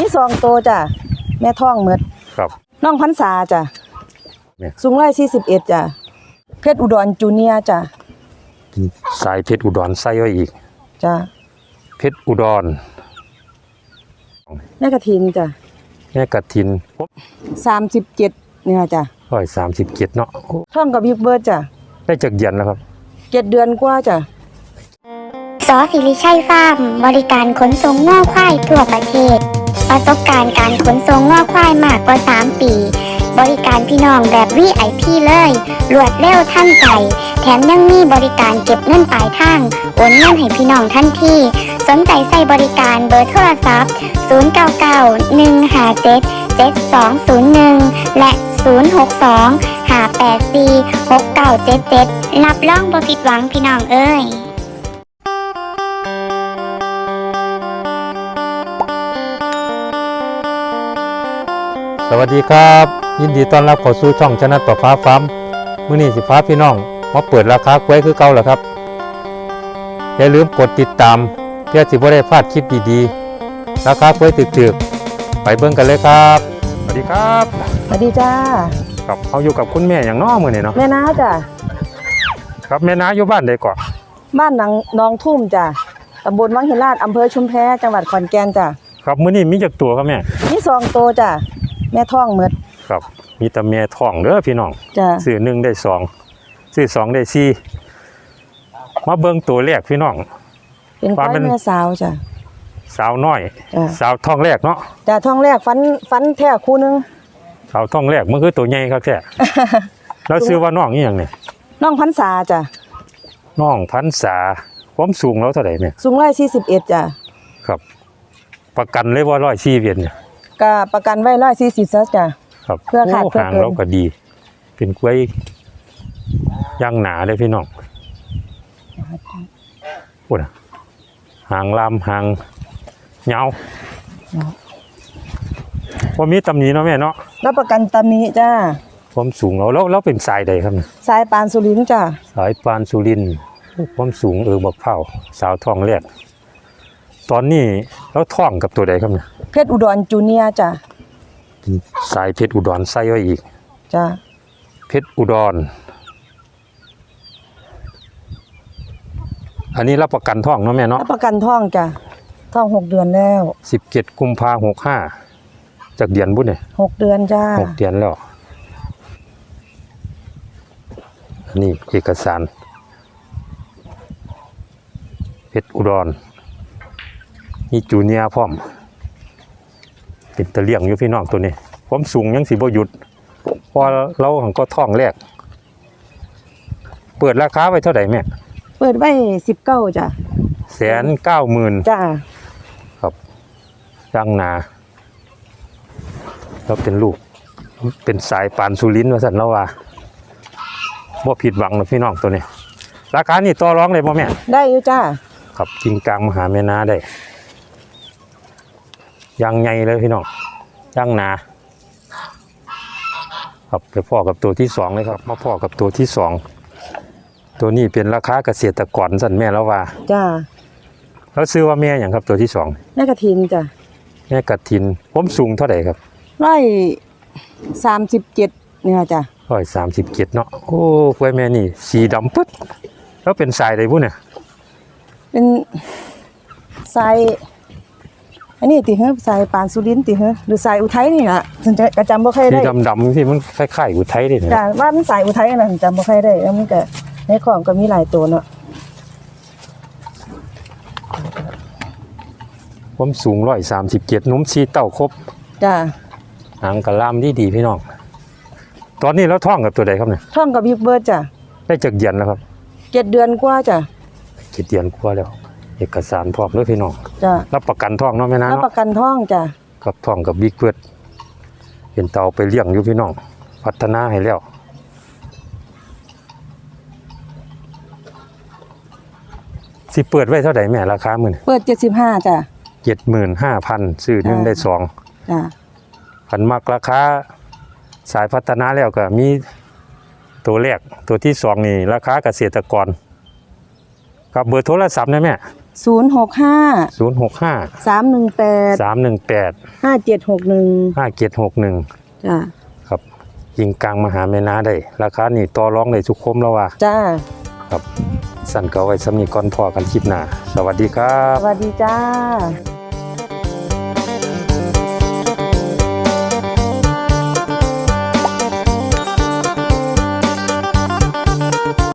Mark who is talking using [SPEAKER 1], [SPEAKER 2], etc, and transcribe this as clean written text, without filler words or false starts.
[SPEAKER 1] 2 ตัวจ้ะแม่ท้องหมด
[SPEAKER 2] ครับ
[SPEAKER 1] น้องพรรษาจ้ะสูง141จ้ะเพชรอุดรจูเนียร์จ้ะ
[SPEAKER 2] สายเพชรอุดรใส่ไว้อีก
[SPEAKER 1] จ้ะ
[SPEAKER 2] เพชรอุดร
[SPEAKER 1] แม่กระถินจ้ะ
[SPEAKER 2] แม่กฐิน
[SPEAKER 1] 37เนี่ยจ้ะ
[SPEAKER 2] 137เนาะ
[SPEAKER 1] ท้องกับบิ๊กเบิร์ดจ้ะ
[SPEAKER 2] ได้จักเดือนแล้วครับ
[SPEAKER 1] 7 เดือนกว่าจ้ะ
[SPEAKER 3] สศิริชัยฟาร์มบริการขนส่งง่อควายทั่วประเทศประสบการณ์การขนส่งง่อควายมากกว่า3 ปีบริการพี่น้องแบบ VIP เลยรวดเร็วทันใจแถมยังมีบริการเก็บเงินปลายทางโอนเงินให้พี่น้องทันทีสนใจใส่บริการเบอร์โทรศัพท์0991577201และ062-584-6977รับรองบ่ผิดหวังพี่น้องเอ้ย
[SPEAKER 2] สวัสดีครับยินดีต้อนรับเข้าสู่ช่องชนะต่อฟ้าฟาร์มมื้อนี้สิฟ้าพี่น้องมาเปิดราคากล้วยคือเก่าแล้วครับอย่าลืมกดติดตามเพื่อสิบ่ได้พลาดคลิปดีๆราคากล้วยถึกๆไปเบิ่งกันเลยครับสวัสดีครับ
[SPEAKER 1] สวัสดีจ้า
[SPEAKER 2] ครับเฮาอยู่กับคุณแม่อย่างน้อมื้อนี้เนาะ
[SPEAKER 1] แม่น้าจ้ะ
[SPEAKER 2] ครับแม่น้าอยู่บ้านใดก่อน
[SPEAKER 1] บ้านน้องทุ่มจ้ะตำบลวังหินลาดอำเภอชุมแพจังหวัดขอนแก่นจ้ะ
[SPEAKER 2] ครับมื้อนี้มีจักตัวครับแม่
[SPEAKER 1] มี2 ตัวจ้ะแม่ท้องหมด
[SPEAKER 2] ครับมีแต่แม่ท้องเด้อพี่น้อง
[SPEAKER 1] จ้ะ
[SPEAKER 2] ซื้อ1ได้2ซื้อ2ได้4มาเบิ่งตัวแรกพี่น้อง
[SPEAKER 1] เป็นควายแม่สาวจ้ะ
[SPEAKER 2] สาวน้อยสาวท้องแรกเนาะ
[SPEAKER 1] จ้ะท้องแรกฟันแท้คู่นึง
[SPEAKER 2] สาวท้องแรกมันคือตัวใหญ่ครับแท้แล้วชื่อว่าน้องอีหยังเนี่ย
[SPEAKER 1] น้องพรรษาจ้ะ
[SPEAKER 2] น้องพรรษาความสูงแล้วเท่าไหร่เนี่ย
[SPEAKER 1] สูง141จ้ะ
[SPEAKER 2] ครับประกันเลยว่า140เนี่ย
[SPEAKER 1] ก็ประกันไว้140ซะจ้ะ
[SPEAKER 2] ครับ
[SPEAKER 1] เพื่อขาดเพื่อ
[SPEAKER 2] หาง
[SPEAKER 1] เกิน
[SPEAKER 2] เราก็ดีเป็นกล้วยย่างหนาเลยพี่น้องพูดนะหางลำหางเงาว่ามีตำหนิเนาะแม่เนาะ
[SPEAKER 1] รับประกันตำหนิจ้า
[SPEAKER 2] ความสูงแล้วเป็นสายใดครับเนี่ย
[SPEAKER 1] สายปานสุรินทร์จ้า
[SPEAKER 2] สายปานสุรินทร์ความสูงบักเผาสาวทองแรกตอนนี้แล้วท้องกับตัวใดครับเนี่ย
[SPEAKER 1] เพชรอุดรจูเนียร์จ้า
[SPEAKER 2] สายเพชรอุดรใส่ไว้อีก
[SPEAKER 1] จ้า
[SPEAKER 2] เพชรอุดรอันนี้รับประกันท้องเนาะแม่เนาะ
[SPEAKER 1] รับประกันท้องจ้าท้อง6 เดือนแล้ว
[SPEAKER 2] 17 กุมภาพันธ์65จากเดือนบุญเนี่ย
[SPEAKER 1] 6 เดือนจ้า
[SPEAKER 2] 6 เดือนแล้วอันนี้เอกสารเพชรอุดรมีจูเนียร์พร้อมเป็นตะเลี่ยงอยู่พี่น้องตัวนี้ความสูงยังสิบ่หยุดพอเราหังก็ท้องแรกเปิดราคาไว้เท่าไหร่แม่
[SPEAKER 1] เปิดไว้19จ้ะ
[SPEAKER 2] 190,000
[SPEAKER 1] จ้า
[SPEAKER 2] ครับย่างนาแล้วเป็นลูกเป็นสายปานสุรินทร์ว่าสั่นแล้วว่าบ่ผิดหวังนะพี่น้องตัวนี้ราคานี่ต่อรองได้บ่แม่
[SPEAKER 1] ได้อยู่จ้า
[SPEAKER 2] ครับจริงกลางมหาแม่นาได้ย่างใหญ่เลยพี่น้องย่างนาครับไปพ่อกับตัวที่2เลยครับมาพ่อกับตัวที่2ตัวนี้เป็นราคาเกษตรกรสั่นแม่แล้วว่า
[SPEAKER 1] จ้า
[SPEAKER 2] แล้วซื้อว่าแม่อย่างครับตัวที่2
[SPEAKER 1] แม่กฐินจ้ะ
[SPEAKER 2] แม่กฐินผมสูงเท่าไหร่ครับ
[SPEAKER 1] 137เนี่ยจ้ะ
[SPEAKER 2] 137เนาะโอ้กล้วยแม่นี่สีดำปึ๊ดแล้วเป็นสายใดบุเนี่ย
[SPEAKER 1] เป็นสายอันนี้ติเหรอสายปานสุรินทร์ติเหรอหรือสายอุทัยนี่ล่ะฉันจะจำบ่ค่อยได้
[SPEAKER 2] สีดำๆที่มันคล้ายๆอุทัยนี่นะ
[SPEAKER 1] จ้ะว่ามันสายอุทัยน่ะจำบ่ค่อยได้แล้วมันก็ในของก็มีหลายตัวเนาะ
[SPEAKER 2] ผมสูง137นุ่มชีเต้าครบ
[SPEAKER 1] จ้ะ
[SPEAKER 2] หางกะลามดีพี่น้องตอนนี้แล้วท้องกับตัวใดครับเนี่ย
[SPEAKER 1] ท้องกับบิ๊กเบิร์ดจ้ะ
[SPEAKER 2] ได้จักเดือนแล้วครับ
[SPEAKER 1] 7 เดือนกว่าจ้ะ
[SPEAKER 2] 7 เดือนกว่าแล้วเอกสารพร้อมด้วยพี่น้อง
[SPEAKER 1] จ้ะ
[SPEAKER 2] รับประกันท้องเนาะแม่นะ
[SPEAKER 1] รับประกันท้องจ้ะ
[SPEAKER 2] กับท้องกับบิ๊กเบิร์ดเป็นเตาไปเลี้ยงอยู่พี่น้องพัฒนาให้แล้วสิเปิดไว้เท่าไหร่แม่ราคามื้อ
[SPEAKER 1] เปิด75จ้ะ
[SPEAKER 2] 75,000ซื้อ1ได้2
[SPEAKER 1] จ้ะ
[SPEAKER 2] คันมักราคาสายพัฒนาแล้วก็มีตัวแรกตัวที่2นี่ราคาเกษตรกรกับเบอร์โทรศัพท์นะแม่
[SPEAKER 1] 065
[SPEAKER 2] 065
[SPEAKER 1] 318
[SPEAKER 2] 318
[SPEAKER 1] 5761
[SPEAKER 2] 5761
[SPEAKER 1] จ้า
[SPEAKER 2] ครับยิงกลางมหาแม่นาได้ราคานี่ต่อรองได้ทุกคมแล้วว่า
[SPEAKER 1] จ้า
[SPEAKER 2] ครับสั่นก็เอาไว้สำนีก่อนพอกันคลิปหน้าสวัสดีครับ
[SPEAKER 1] สวัสดีจ้า